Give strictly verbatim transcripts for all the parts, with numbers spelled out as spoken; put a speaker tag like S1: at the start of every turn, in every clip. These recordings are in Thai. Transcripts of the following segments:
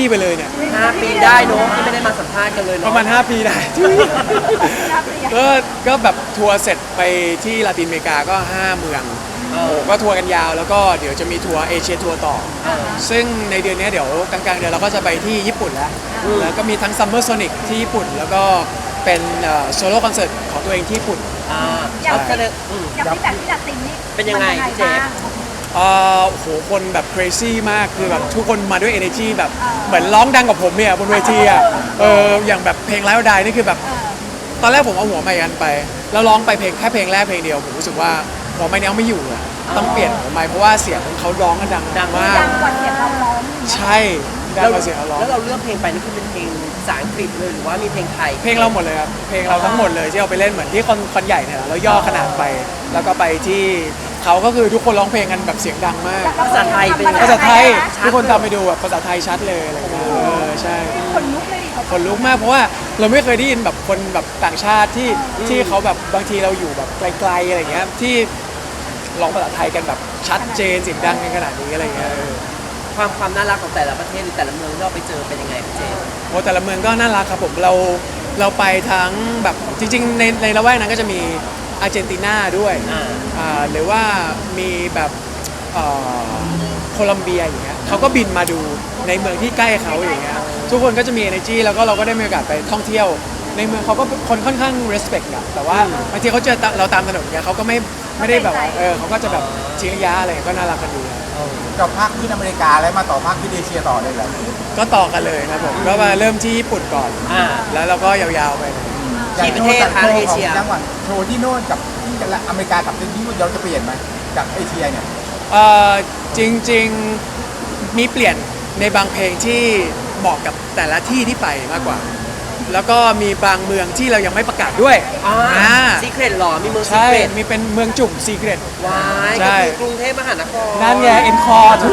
S1: ไปเลยเนี่ย
S2: ห้าปีได้เนอะที่ไม่ได้มาสัมภาษณ์กันเลยเน
S1: ป
S2: อะ
S1: ระมาณห้าปีได้ ก็ก็แบบทัวร์เสร็จไปที่ลาตินอเมริกาก็ห้าเมืองโอ้ก็ทัวร์กันยาวแล้วก็เดี๋ยวจะมีทัวร์เอเชียทัวร์ต่อ ซึ่งในเดือนนี้เดี๋ยวกลางๆเดือนเราก็จะไปที่ญี่ปุ่นแล้วแล้วก็มีทั้งซัมเมอร์โซนิกที่ญี่ปุ่นแล้วก็เป็นโซโล่คอนเสิร์ตของตัวเองที่ญี่ปุ่น
S2: อ่า
S3: อย่าง
S2: ก็เลยอืม
S3: อย่างที่แบบที่ลาตินนี่
S2: เป็นยังไง
S3: มั
S2: เจ๊
S3: บ้าง
S1: เอ่อโหคนแบบ crazy มากคือแบบทุกคนมาด้วย energy แบบเหมือนร้องดังกว่าผมเนี่ยบนเวทีอ่ะเอออย่างแบบเพลงไลฟ์ดายนี่คือแบบ
S3: เออ
S1: ตอนแรกผมเอาหัวไมค์กันไปแล้วร้องไปเพลงแค่เพลงแรกเพลงเดียวผมรู้สึกว่าหัวไมค์นี้เอาไม่อยู่อะต้องเปลี่ยนหัวไมค์เพราะว่าเสียงเขาร้องกันดัง
S2: ดัง
S1: มาก
S3: ดังกว่าเสียงเราร้องอย่างเงี้ย
S1: ใช่ดังกว่าเสียงเขาร้อง
S2: แล้วเราเลือกเพลงไปนี่คือเป็นเพลงภาษาอังกฤษเลยหรือว่ามีเพลงไทย
S1: เพลงเราหมดเลยครับเพลงเราทั้งหมดเลยที่เอาไปเล่นเหมือนที่คอนคอนใหญ่เนี่ยเราย่อขนาดไป แล้วก็ไปที่เขาก็คือทุกคนร้องเพลงกันแบบเสียงดังมาก
S2: ภาษาไทยเป็นยังไง
S1: ภาษาไทย
S2: ชัด
S1: ทุกคนตามไปดูแบบภาษาไทยชัดเลยอะไรเงี้ยเออใช่
S3: คนลุกเลยดิเขา
S1: คนลุกมากเพราะว่าเราไม่เคยได้ยินแบบคนแบบต่างชาติที่ที่เขาแบบบางทีเราอยู่แบบไกลๆอะไรเงี้ยที่ร้องภาษาไทยกันแบบชัดเจนเสียงดังกันขนาดนี้อะไรเงี้ยเออ
S2: ความความน่ารักของแต่ละประเทศหรือแต่ละเมืองที่เราไปเจอเป็นยังไงพี่เจ
S1: โอ้แต่ละเมืองก็น่ารักครับผมเราเราไปทั้งแบบจริงๆในในละแวกนั้นก็จะมีอาร์เจนตินาด้วย
S2: อ่า
S1: อ่าหรือว่ามีแบบเอ่อโคลัมเบียอย่างเงี้ยเขาก็บินมาดูในเมืองที่ใกล้เขาอย่างเงี้ยทุกคนก็จะมี energy แล้วก็เราก็ได้มีโอกาสไปท่องเที่ยวในเมืองเขาก็คนค่อนข้าง respect อะแต่ว่าบางทีเขาเจอเราตามถนนเนี่ยเขาก็ไม่ไม่ได้แบบว่าเออเขาก็จะแบบทิ้งระยะอะไรก็น่ารักกันดีครับ
S4: จบภาคที่อเมริกาแล้วมาต่อภาคที่เอเชียต่อเลยเหรอ
S1: ก็ต่อกันเลยครับผมก็มาเริ่มที่ญี่ปุ่นก่อน
S2: อ่า
S1: แล้วเราก็ยาวๆไปเลย
S2: กี่ประเทศคะเอเชีย
S4: จังหวัดโชว์ที่โน่นกับที่อเมริกากับที่ญี่ปุ่นเราจะเปลี่ยนไหมจากเอเชียเนี่ย
S1: เอ่อจริงๆมีเปลี่ยนในบางเพลงที่เหมาะกับแต่ละที่ที่ไปมากกว่า แล้วก็มีบางเมืองที่เรายังไม่ประกาศด้วย
S2: อ่า
S1: อ่า
S2: ซีเครตหรอมีเมืองซี
S1: ใช่
S2: เครต
S1: มีเป็นเมืองจุ่มซีเกรต
S2: วาย
S1: ใช่
S2: ก็คือกรุงเทพมหานคร
S1: นั่นไงเอ็นคอร์ทุก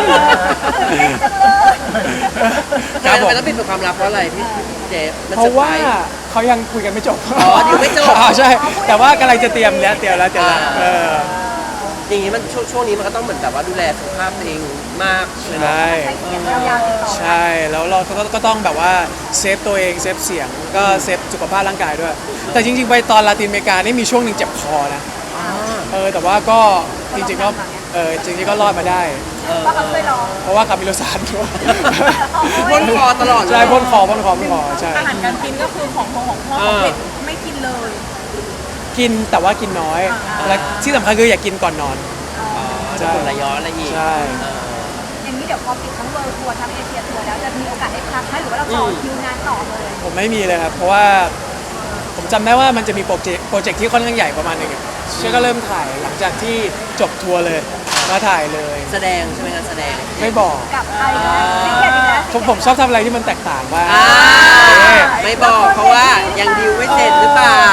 S2: ทำไมเราต้องปิดเป็นความลับเพราะอะไรพี่เจมัน
S1: เพ
S2: เซอ
S1: ราะ
S2: ร์ไพร
S1: ว่า
S2: ส์
S1: เขายังคุยกันไม่จบ
S2: อ๋อยังไม่จบ
S1: อ๋อใช่ แต่ว่ากำลังจะเตรียมแล้วเตรียมแล้วเตรียมแล้ว
S2: อ่า
S1: เออ
S2: อย่างนี้มันช่วงช่วงนี้มันก็ต้องเหมือนแบบว่าดูแลสุขภาพตัวเองมากเลยเนาะ
S1: ใช่
S3: ใช้เสียงยาวๆติดต่อ
S1: ใช่แล้วเราก็ก็ต้องแบบว่าเซฟตัวเองเซฟเสียงก็เซฟสุขภาพร่างกายด้วย แต่จริงๆไปตอนลาตินอเมริกานี่มีช่วงหนึ่งเจ็บคอนะ
S2: อ่า
S1: เออแต่ว่าก็จริงๆก็เออจริงๆก็รอดมาได้
S2: เออ
S3: ว่าเขาช่วยร้อง
S1: เพราะว่าคามิโลซานด้วย
S2: พ่นคอตลอดเลย
S1: ใช่พ่นคอพ่นคอพ่นคอใช่
S3: อาหารการกินก็คือของของพ่อของเผ็ดไม่กินเลย
S1: กินแต่ว่ากินน้อย และที่สำคัญคืออย่ากินก่อนนอน
S2: จะผลระย้อนอะไรอีก
S1: ใช่
S2: เออ
S3: อย่างนี้เดี๋ยวพอปิดทั้งเวิลด์ทัวร์ทั้งเอเชียทัวร์แล้วจะมีโอกาสได้พักไหมหรือว่าเราต่อคิวงานต่อเลย
S1: ผมไม่มีเลยครับเพราะว่าผมจำได้ว่ามันจะมีโปรเจกต์โปรเจกต์ที่ค่อนข้างใหญ่ประมาณหนึงอะเชื่อก็เริ่มถ่ายหลังจากที่จบทัวร์เลยมาถ่ายเลย
S2: แสดงใช่ไหมงานแสดง
S1: ไม่บอก
S3: กับใครนะซีเกตอีกแล้ว
S1: ผมผมชอบทำอะไรที่มันแตกต่างบ้าง
S2: อ่า
S1: เออ
S2: ไม่บอกเพราะว่ายังดิวไม่เสร็จหรือเปล่าร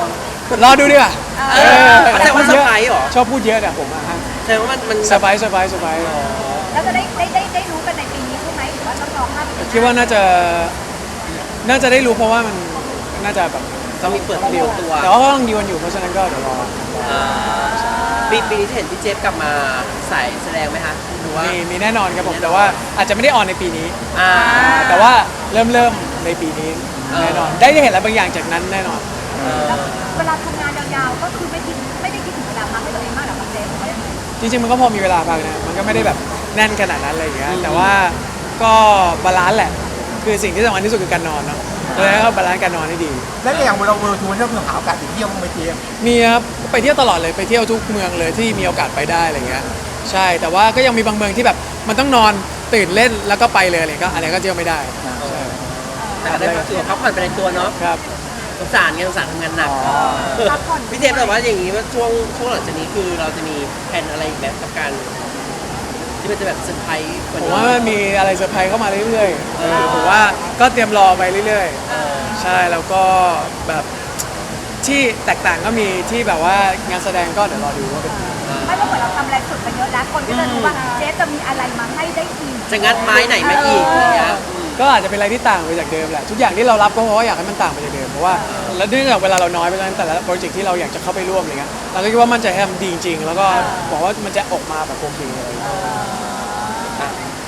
S1: อดูดีกว่า
S2: เออแต่ว่าเซอร์ไพรส์เหรอ
S1: ชอบพูดเยอะเนี่ยผมอะฮะ
S2: แสดงว่ามันมัน
S1: เซอร์ไพรส์เซอร์ไพรส์เซอร์ไพรส์
S3: แล้วจะได้ได้ได้ได้รู้กันในปีนี้ใช่ไหมหรือว่าต้องรอห้าปี
S1: คิดว่าน่าจะน่าจะได้รู้เพราะว่ามันน่าจะแบบ
S2: ต้องมีเปิดดิวตัว
S1: แต่ว่าก็ต้องดีวันอยู่เพราะฉะนั้นก็เดี๋ยวรอ
S2: อ่าปีปีนี้จะเห็นพี่เจฟกลับมาใส่แสดงไหมคะหรือว่า
S1: มีมีแน่นอนครับผมแต่ว่าอาจจะไม่ได้ออนในปีนี้
S2: อ่า
S1: แต่ว่าเริ่มเริ่มในปีนี้
S2: เออ
S1: แน่นอนได้ได้เห็นอะไรบางอย่างจากนั้นแน่นอน
S2: เออ
S3: เวลาทำงานยาวๆก็คือไม่คิดไม่ได้คิดถึงเวลาพักให้ตัวเองมากหรอกเจมส์
S1: จริงๆมันก็พอมีเวลาพักนะมันก็ไม่ได้แบบแน่นขนาดนั้นอะไรอย่างเงี้ยแต่ว่าก็บาลานซ์แหละ คือสิ่งที่สำคัญที่สุดคือการนอนเนาะแล้วก็บาลานซ์การนอนให้ดี
S4: แล้วอย่างเราเวิร์ทัวร์เราคือหาโอกาสไปเที่ยวบ้างไหมเจมส์
S1: มีครับไปเที่ยวตลอดเลยไปเที่ยวทุกเมืองเลยที่มีโอกาสไปได้อะไรเงี้ยใช่แต่ว่าก็ยังมีบางเมืองที่แบบมันต้องนอนตื่นเล่นแล้วก็ไปเลยอะไรก็อะไรก็เที่ยวไม่ได้ใช่
S2: แต่ก็ได้พักตัวพักผ่อนไปในตัวเนาะ
S1: ครับ
S2: สงสารไงสงสารทำงานหนัก
S3: พักผ่อน
S2: พี่เจฟแต่ว่าอย่างนี้ว่าช่วงช่วงหลังจากนี้คือเราจะมีแผนอะไรอีกไหมกับการที่มันจะแบบเซอร์ไพรส์กว่า
S1: ผม
S2: นี้
S1: ว่ามันมีอะไรเซอร์ไพรส์เข้ามาเรื่อย
S2: เออ
S1: ๆผมว่าก็เตรียมรอไปเรื่อย
S2: เออ
S1: ๆ ใช่แล้วก็แบบที่แตกต่างก็มีที่แบบว่างานแสดงก็เดี๋ยวรอดูว่าเป็นยังไง
S3: ไม่ว่าเหมือนเราทำอะไรสุดไปเยอะแล้วคนก็จะรู้ว่าเจฟจะมีอะไรมาให้ได้อีก
S2: จะงัดไม้ไหนมาอีกอย่างเงี้ยอืม
S1: ก็อาจจะเป็นอะไรที่ต่างไปจากเดิมแหละทุกอย่างที่เรารับก็เพราะว่าอยากให้มันต่างไปจากเดิมเพราะว่าแล้วเนื่องจากเวลาเราน้อยไปฉะนั้นแต่ละโปรเจกต์ที่เราอยากจะเข้าไปร่วมอะไรเงี้ยเราก็คิดว่ามันจะให้มันดีจริงๆแล้วก็บอกว่ามันจะออกมาแบบโอเคเลย
S2: อ่ะอย่าง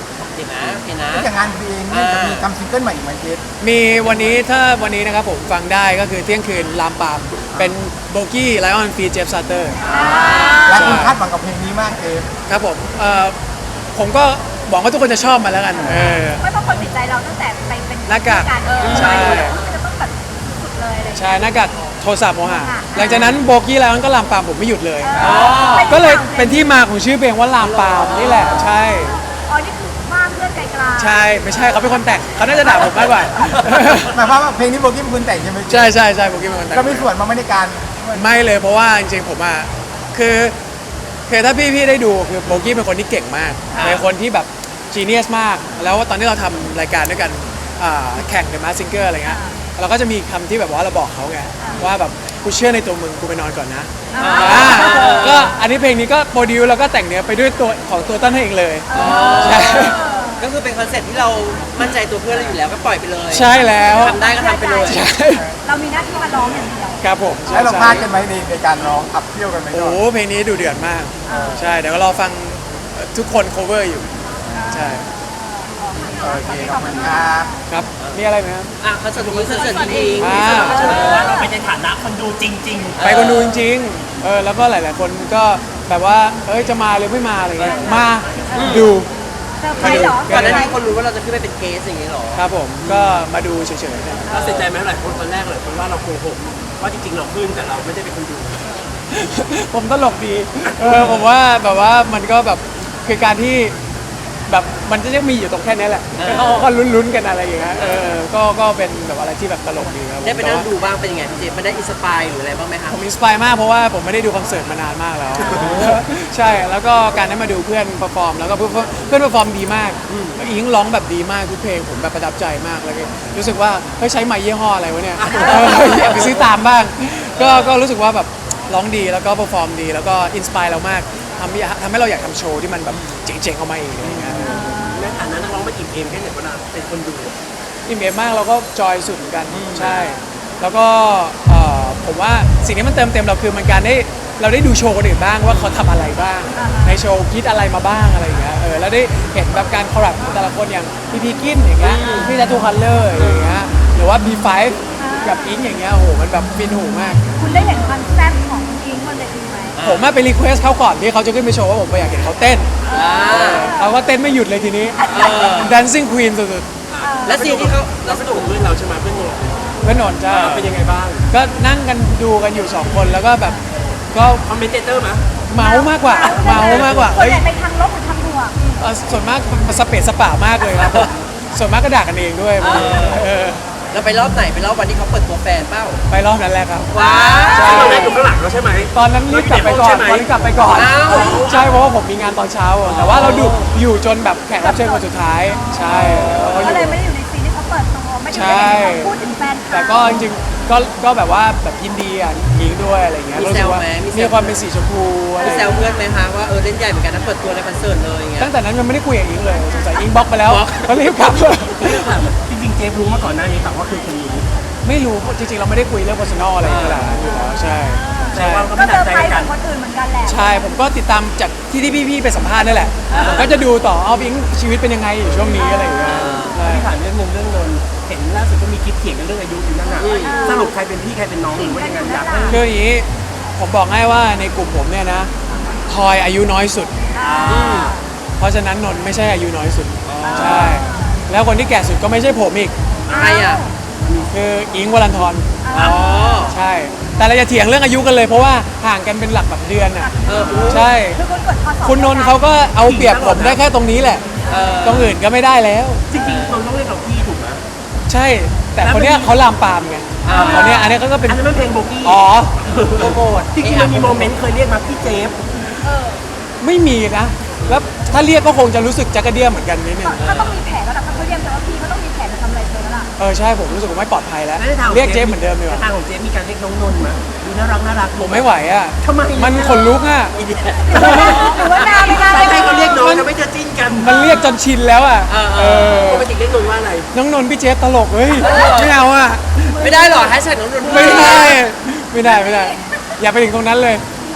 S2: ห็นนะเห็นนะ
S4: ก็อย่างงานเพลงเนี่ยจะมีทำซิงเกิลใหม่อีกไหมเจฟ
S1: มีวันนี้ถ้าวันนี้นะครับผมฟังได้ก็คือเที่ยงคืนลามปามเป็นโบกี้ไลออนฟีเจฟซาเตอร์
S4: และคุณคาดหวังกับเพลงนี้มากเจฟ
S1: ครับผมเอ่อผมก็หวังว่าทุกคนจะชอบมันแล้วกันเออ
S3: ไม่เพราะคนติดใจเราตั้งแต่ไปเป็น
S1: หน้ากาก
S3: เออ
S1: ใช่
S3: มันจะต้องแบบสุดๆเลยอะไรอย่างเลย
S1: ใช่หน้ากากโทรศัพท์โมหะหลังจากนั้นโบกี้ไลออนก็ลามปามผมไม่หยุดเลย
S3: อ๋อ
S1: ก็เลยเป็นที่มาของชื่อเพลงว่าลามปามนี่แหละใช่
S3: อ๋อนี่คือบ้านเพื่อนไกลๆ
S1: ใช่ไม่ใช่เขาเป็นคนแต่งเขาน่าจะด่าผมมากกว่า
S4: หมายความว่าเพลงนี้โบกี้เป็นคนแต่งใช่ไหม
S1: ใช่ใช่ใช่โบกี้เป็นคนแต่ง
S4: ก็มีส่วนมาไม่ในการ
S1: ไม่เลยเพราะว่าจริงๆผมอ่ะคือคือถ้าพี่พี่ได้ดูคือโบกี้เป็นคนที่เก่งมากเป็นคนที่แบบจีเนียสมาก แล้วตอนที่เราทำรายการด้วยกันอ่าแข่งในมาซิงเกอร์อะไรเงี้ยเราก็จะมีคำที่แบบว่าเราบอกเขาไงว่าแบบกูเชื่อในตัวมึงกูไปนอนก่อนนะอ่าก็อันนี้เพลงนี้ก็โปรดิวแล้วก็แต่งเนื้อไปด้วยตัวของตัวต้นให้เองเลยใช่
S2: ก็คือเป็นคอนเซ็ปต์ที่เรามั่นใจตัวเพื่อนเราอยู่แล้วก็ปล่อยไปเลย
S1: ใช่แล้ว
S2: ทำได้ก็ทำไปเลย
S1: ใช่
S3: เรามีหน้าที่มาร้องอย่างเดียว
S1: ครับผมใช่
S4: แล้วเรา
S1: ใช่
S4: พลาดกันไหมในในการร้องขับเที่ยวกันไหม
S1: โอ้
S4: ก่อน
S1: โหเพลงนี้ดูเดือดมาก ใช่ เดี๋ยวก็รอฟังทุกคน cover อยู่ ใช่
S4: โอเคขอบคุณครับ
S1: ครับ มีอะไรไหมครับ
S2: อ่ะคอนเสิร์ตนี้คอนเสิร์ตจริง
S1: อ่า
S5: ว่าเราเป็นในฐานะคนดูจริง
S1: ไปคนดูจริงๆ เออ แล้วก็หลายๆ คนก็แบบว่า เอ้ย จะมาหรือไม่มาอะไรเงี้ย มาดู
S3: เซอร์ไพรส์เหรอ
S2: ๆก่อนหน้านี้คนรู้ว่าเราจะขึ้นไปเป็นเกสอย่างนี้เหรอ
S1: ครับผม ก็มาดูเฉยๆนะ
S5: ๆเราเสียใจไหมหลายคนตอนแรกเลยคนว่าเราโกหกว่าจริงๆเราขึ้นแต่เราไม่ได้เป็นคนดู
S1: ผมตลกดี เออ ผมว่าแบบว่ามันก็แบบคือการที่แบบมันจะยังมีอยู่ตรงแค่นี้แหละ
S2: เออ
S1: เขาก็ลุ้นๆกันอะไรอย่างเงี้ย เออ ก็ก็เป็นแบบอะไรที่แบบตลกดีครับผม
S2: ได้ไปนั่ง
S1: แต่ว่า
S2: ดูบ้างเป็นยังไงพี่เจมันได้อินสปายหรืออะไรบ้างไหมคะ
S1: ผมอินสปายมากเพราะว่าผมไม่ได้ดูคอนเสิร์ตมานานมากแล้ว ใช่ แล้วก็การได้มาดูเพื่อนเปอร์ฟอร์มแล้วก็เพื่อนเพื่อนเปอร์ฟอร์มดีมากแล้วอิงร้องแบบดีมากทุกเพลงผมแบบประทับใจมากแล้วก็รู้สึกว่าเฮ้ยใช้ไมค์ยี่ห้ออะไรวะเนี่ยเอออยากไปซื้อตามบ้าง ก็ก็รู้สึกว่าแบบร้องดีแล้วก็เปอร์ฟอร์มดีแล้วก็อินสปายเรามากทำให้ทำให้เราอยากทำโชว์ที่มันแบบเจ๋งๆออกมาเองอะไรอย่างเงี้ย
S5: ในฐานะนักร้องมาอิ่มเอมแค่ไหนเวลาเป็นคนดู
S1: อิ่มเอมมากเราก็จอยสุดเหมือนกันใช่ แล้วก็เอ่อผมว่าสิ่งที่มันเติมเต็มเราคือมันการได้เราได้ดูโชว์คนอื่นบ้างว่าเขาทำอะไรบ้าง ในโชว์คิดอะไรมาบ้างอะไรอย่างเงี้ยเออแล้วได้เห็นแบบการคอลแลบของแต่ละคนอย่างพี่พีกินอย่างเงี้ยพี่ทัตทูคัลเลอร์อย่างเงี้ยหรือว่า บี ไฟว์ กับอิงอย่างเงี้ยโอ้โหมันแบบฟินหูมาก
S3: คุณได้เห็นความแซ่บของอิงบนเวทีไหม
S1: ผมมาไปรีเควสเขาก่อนที่เขาจะขึ้นไปโชว์ว่าผมอยากเห็นเขาเต้นเขาก็เต้นไม่หยุดเลยทีนี้ dancing queen สุด
S2: และสิ่งที่เขา
S5: เราสนุกกับเพื่อนเราใช่ไหมเพื่อนโน
S1: ๆเพื่อนนนท์จ้า
S5: เป็นยังไงบ้าง
S1: ก็นั่งกันดูกันอยู่สองคนแล้วก็แบบก็
S5: คอมเมนเตอร์ไหม
S1: เมาส์มากกว่าเมาส์มากกว่า
S3: ส่วน
S1: เฮ้ย
S3: ใหญ่ไปทางลบหรือทางบวก
S1: เอ่อส่วนมากสเปซสปามากเลยครับผมส่วนมากก็ด่ากันเองด้วยเออ
S2: เราไปรอบไหนไปรอบวันที่เขาเปิดตัวแฟนเป้า
S1: ไปรอบนั้นแหละครับ
S2: ว้า
S1: ใช่
S5: ซึ่งเราได้อยู่ข้างหลังเราใช่ไหม
S1: ตอนนั้นรีบกลับไปก่อนตอนนี้กลับไปก่อน
S2: อ้าว
S1: ใช่เพราะว่าผมมีงานตอนเช้าอะแต่ว่าเราดูอยู่จนแบบแขกรับเชิญคนสุดท้าย ใช่เราก็อ
S3: ก็
S1: ยู่
S3: เลยไม่ได้อยู่ในซีนที่เขาเปิดตัวไม่ได้
S1: ใช่
S3: เห็นเขาพูดถึงแฟนเขา
S1: แต่ก็จริงๆก็ก็แบบว่าแบบยินดีอ่ะยิงด้วยอะไรเงี้ยรู้สึกว่ามีความเป็นสีชมพูอะไร
S2: มีแซวเพื่อนไหมคะว่าเออเล่นใหญ่เหมือนกันนะเปิดตัวในคอนเสิร์ตเลยอย่างเงี้ย
S1: ตั้งแต่นั้นยังไม่ได้คุยกับอิงเลยสงสัยอิงบล็อกไปแล้ว
S2: บล็อก
S1: ก็รีบกลับ
S5: จริงๆเจฟรู้มาก่อนหน้านี้แต่ว่าคือคนรู้
S1: ไม่รู้จริงๆเราไม่ได้คุยเรื่อง personal อะไรขนาดนั้นอยู่แล้วใช่
S5: แต่
S1: ใช่
S5: ว่าก็
S3: ก็
S5: ไม่
S3: เซ
S5: หนั
S3: อก ร์
S5: ใจ
S3: ไพร
S5: กั
S3: ส์
S5: น
S3: กับคนอื่นเหมือนกันแหละ
S1: ใช่ผมก็ติดตามจากที่ที่พี่ๆไปสัมภาษณ์นั่นแหละผมก็จะดูต่อเอาอิงชีวิตเป็นยังไงอยู่ช่วงนี้อะไรอย่างเงี้ยใช่
S5: ที่ถามเรื่องหนึงเรื่องนนท์เห็นล่าสุดก็มีคลิปเถียงกันเรื่องอายุอยู่นั่นน่ะสรุปใครเป็นพี่ใครเป็นน้องหรือว่ายังไงอยากให้
S1: คืออย่างนี้ผมบอกให้ว่าในกลุ่มผมเนี่ยนะทอยอายุน้อยสุด เพราะฉะนั้นนนท์ไม่ใช่อายุน้อยสุดใช่แล้วคนที่แก่สุดก็ไม่ใช่ผมอีก
S2: ใครอ่ะ
S1: คืออิงค์วรันทร
S2: อ๋อ
S1: ใช่ แต่เราจะเถียงเรื่องอายุกันเลยเพราะว่าห่างกันเป็นหลักแบบเดือนอ่ะ
S2: เออ
S1: ใช่
S3: คือคุณกดคอสอบ
S1: คุณนนท์เขาก็เอาเปรียบผมได้แค่ตรงนี้แหละ
S2: เออ
S1: ตรงอื่นก็ไม่ได้แล้ว
S5: จริงๆนนท์ต้องเรียกเราพี่ถูกไหม
S1: ใช่ แต่คนเนี้ยเขาลามปามไง
S2: อ่า
S1: คนเนี้ยอันเนี้ยก็เป็น
S5: อันนั้นมันเพลงโบกี้
S1: อ๋อ
S2: โปรโมท
S5: จริงๆมันมีโมเมนต์เคยเรียกมาพี่เจฟ
S1: ไม่มีนะ แล้วถ้าเรียกก็คงจะรู้สึกจักระเดี้ยเหมือนกันนิดนึง
S3: ก็ต้องมีแผนแล้วล่ะถ้าเขาเรียกแต่ว่าพี่เขาต้องมีแผนจะทำอะไรเธอแล้วล่ะ
S1: เออใช่ผมรู้สึกว่าไม่ปลอดภัยแล้ว
S5: แล้วในทางของ
S1: เรียกเจ๊เหมือนเดิมดีกว่า
S5: ในทางของเจฟมีการเรียกน้องนนท์มาดูน่ารักน่ารัก
S1: ผมไม่ไหวอ่ะ
S5: ทำไม
S1: มันขนลุกอ่ะ
S2: อีเดีย
S3: หรือว่าหรือว่านาไม่นา
S5: ใคร
S3: ไม่
S5: ใคร
S3: นา
S5: ก็เรียกน้องจะไม่จะจิ้นกัน
S1: มันเรียกจนชินแล้วอ่ะ
S2: เออ
S1: เออ
S5: ปกติเรียกนนท์ว่าอะไร
S1: น้องนนท์พี่เจฟตลกเฮ้ยไม่เอาอ่ะ
S2: ไม่ได้หรอแฮชแท็กน้องนนท์
S1: ไม่ได้ ไม่ได้ไม่ได้ อย่าไปถึงตรงนั้นเลย
S3: โอ้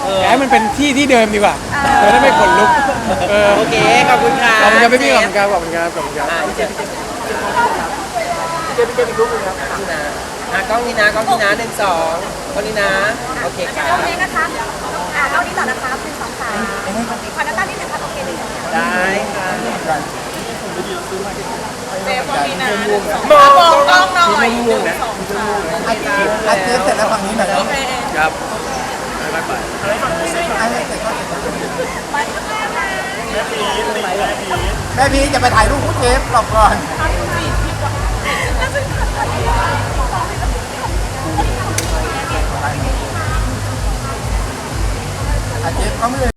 S1: อยากให้มันเป็นที่ที่เดิมดีกว่าเออถ้าไม่ขนลุกเออ
S2: โอเคขอบคุณค่ะ
S1: ขอบคุณครับพี่ๆขอบคุณครับขอบคุณครับขอบคุณครับ
S2: อ่าพี่เจมส์พี่เจมส์
S5: เจมส์เจมส์อีกรูปหนึงครับ
S2: นี่นะอ่ะกล้องนี้นะกล้องนี้นะหนึ่งสองกล้องนี้นะโอเคครั
S3: ตร
S2: บ
S3: งนี้นะคะอ่าตรงนี้ต่อนะคะหนึ่งสองสามขอน้ำตาลนิดนึงค่ะโอเคหนึ่งสองสาม
S2: ได้ค่ะ
S3: เจมส์ตรงนี้นะ
S2: มอง
S3: มองกล้องหน่อย
S5: ม่วงๆนะ
S4: อาเจฟอาเจฟเสร็จแล้วฝั่งนี้หน่อยเนาะ
S1: ครับบ๊ายบาย
S4: อาเจฟเสร็จก็เสร็จแม่พีจะไปถ่ายรูปคู่เจฟหลอกก่อนอาเจฟเขาไม่เลย